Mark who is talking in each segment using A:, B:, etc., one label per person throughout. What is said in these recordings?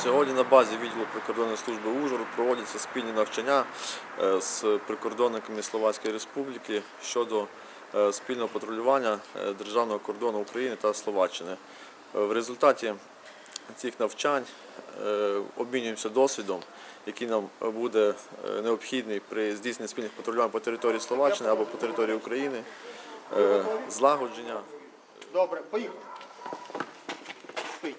A: Сьогодні на базі відділу прикордонної служби Ужгород проводяться спільні навчання з прикордонниками Словацької Республіки щодо спільного патрулювання державного кордону України та Словаччини. В результаті цих навчань обмінюємося досвідом, який нам буде необхідний при здійсненні спільних патрулювань по території Словаччини або по території України, злагодження.
B: Добре, поїхали. Спить.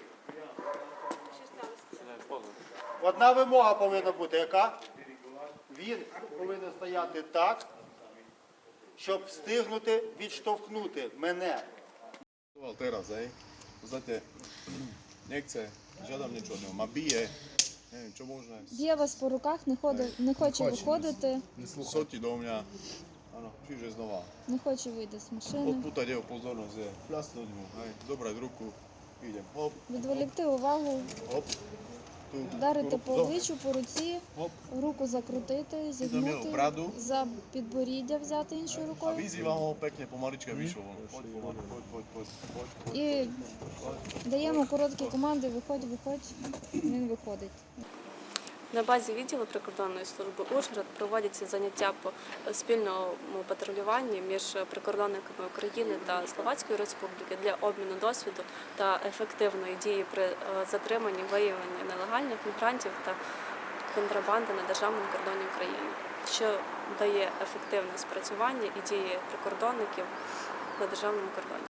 B: Одна вимога повинна бути, яка? Він повинен стояти так, щоб встигнути відштовхнути мене.
C: Teraz, Poznáte, nechce, žiadam niečo od neho, ma bije, neviem, čo možné.
D: Б'є вас по руках, не хоче виходити,
C: Sotí do mňa, áno, čiže znova.
D: не хоче вийти з машини.
C: Odpútať jeho pozornosť je pľasnúť mu, zobrať ruku, idem, hop,
D: Відволікти увагу,
C: hop, tu,
D: вдарити по
C: hop,
D: обличчю, по руці,
C: hop,
D: руку закрутити, зігнути,
C: браду.
D: за підборіддя взяти іншою
C: a
D: рукою
C: vyzývam ho pekne pomalička vyšlo von. Poď, pomaly, poď.
D: і даємо короткі команди «виходь, виходь», він виходить.
E: На базі відділу прикордонної служби Ужгород проводяться заняття по спільному патрулюванні між прикордонниками України та Словацької Республіки для обміну досвіду та ефективної дії при затриманні, виявленні нелегальних мігрантів та контрабанди на державному кордоні України, що дає ефективне спрацювання і дії прикордонників на державному кордоні.